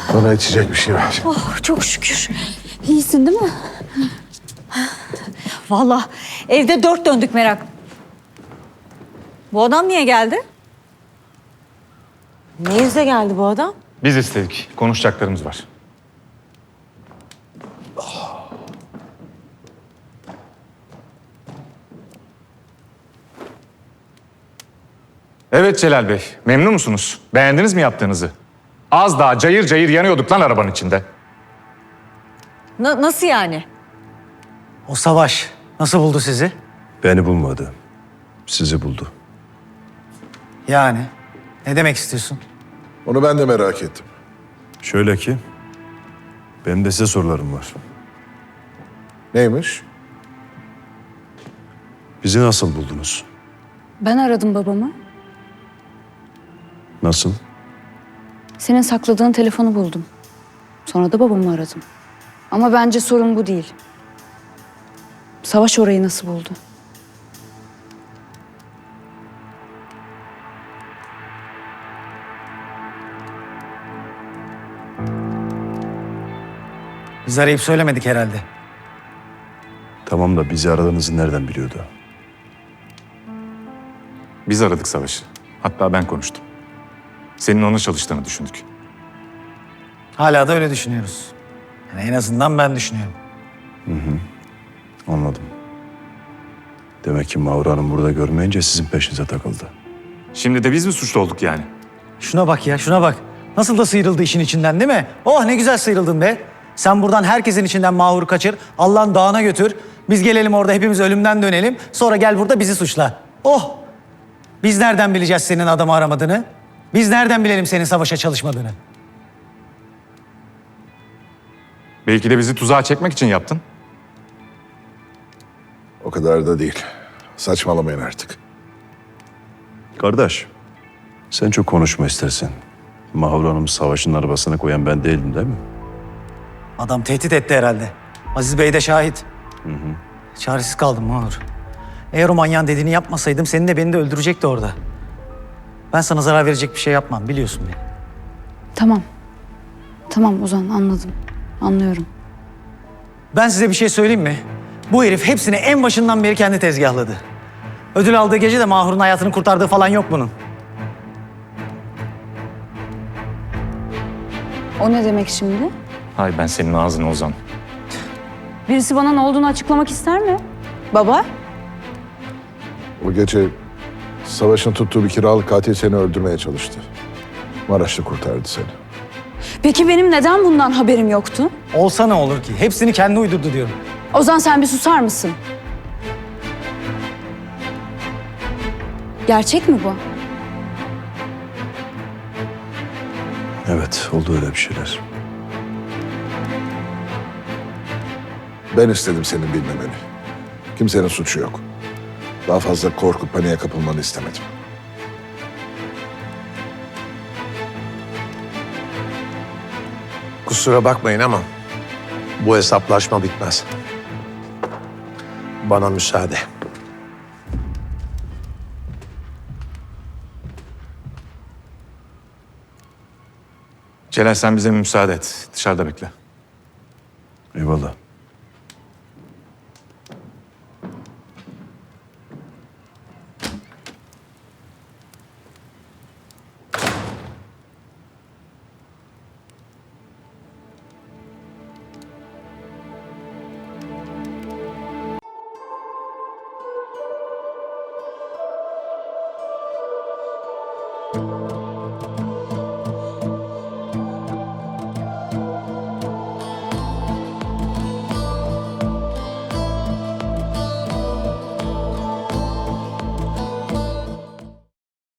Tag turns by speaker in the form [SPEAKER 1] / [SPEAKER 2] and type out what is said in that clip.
[SPEAKER 1] Bana içecek bir şey ver.
[SPEAKER 2] Oh, çok şükür. İyisin değil mi? Vallahi evde dört döndük merak. Bu adam niye geldi?
[SPEAKER 3] Ne yüzle geldi bu adam?
[SPEAKER 4] Biz istedik. Konuşacaklarımız var. Evet Celal Bey, memnun musunuz? Beğendiniz mi yaptığınızı? Az daha cayır cayır yanıyorduk lan arabanın içinde.
[SPEAKER 2] Nasıl yani?
[SPEAKER 5] O Savaş nasıl buldu sizi?
[SPEAKER 6] Beni bulmadı. Sizi buldu.
[SPEAKER 5] Yani ne demek istiyorsun?
[SPEAKER 1] Onu ben de merak ettim.
[SPEAKER 6] Şöyle ki, benim de size sorularım var.
[SPEAKER 1] Neymiş?
[SPEAKER 6] Bizi nasıl buldunuz?
[SPEAKER 7] Ben aradım babamı.
[SPEAKER 6] Nasıl?
[SPEAKER 7] Senin sakladığın telefonu buldum. Sonra da babamı aradım. Ama bence sorun bu değil. Savaş orayı nasıl buldu?
[SPEAKER 5] Biz arayıp söylemedik herhalde.
[SPEAKER 6] Tamam da bizi aradığınızı nereden biliyordu?
[SPEAKER 4] Biz aradık Savaş'ı. Hatta ben konuştum. Senin ona çalıştığını düşündük.
[SPEAKER 5] Hala da öyle düşünüyoruz. Yani en azından ben düşünüyorum.
[SPEAKER 6] Anladım. Demek ki Mahur Hanım burada görmeyince sizin peşinize takıldı.
[SPEAKER 4] Şimdi de biz mi suçlu olduk yani?
[SPEAKER 5] Şuna bak ya, şuna bak. Nasıl da sıyrıldı işin içinden değil mi? Oh ne güzel sıyrıldın be. Sen buradan herkesin içinden Mahur'u kaçır, Allah'ın dağına götür. Biz gelelim orada hepimiz ölümden dönelim. Sonra gel burada bizi suçla. Oh! Biz nereden bileceğiz senin adamı aramadığını? Biz nereden bilelim senin Savaş'a çalışmadığını?
[SPEAKER 4] Belki de bizi tuzağa çekmek için yaptın.
[SPEAKER 1] O kadar da değil. Saçmalamayın artık.
[SPEAKER 6] Kardeş, sen çok konuşma istersen. Mahur Hanım Savaş'ın arabasına koyan ben değildim değil mi?
[SPEAKER 5] Adam tehdit etti herhalde. Aziz Bey de şahit. Çaresiz kaldım Mahur. Eğer o manyağın dediğini yapmasaydım seni de beni de öldürecekti orada. Ben sana zarar verecek bir şey yapmam biliyorsun beni.
[SPEAKER 7] Tamam. Tamam Ozan anladım. Anlıyorum.
[SPEAKER 5] Ben size bir şey söyleyeyim mi? Bu herif hepsini en başından beri kendi tezgahladı. Ödül aldığı gece de Mahur'un hayatını kurtardığı falan yok bunun.
[SPEAKER 7] O ne demek şimdi?
[SPEAKER 4] Hay ben senin ağzını Ozan.
[SPEAKER 7] Birisi bana ne olduğunu açıklamak ister mi? Baba?
[SPEAKER 1] O gece Savaş'ın tuttuğu bir kiralık katil seni öldürmeye çalıştı. Maraşlı kurtardı seni.
[SPEAKER 7] Peki benim neden bundan haberim yoktu?
[SPEAKER 5] Olsa ne olur ki? Hepsini kendi uydurdu diyorum.
[SPEAKER 7] Ozan sen bir susar mısın? Gerçek mi bu?
[SPEAKER 6] Evet, oldu öyle bir şeyler.
[SPEAKER 1] Ben istedim senin bilmemeni. Kimsenin suçu yok. Daha fazla korkup paniğe kapılmanı istemedim.
[SPEAKER 8] Kusura bakmayın ama bu hesaplaşma bitmez. Bana müsaade.
[SPEAKER 4] Celal sen bize müsaade et. Dışarıda bekle.
[SPEAKER 6] Eyvallah.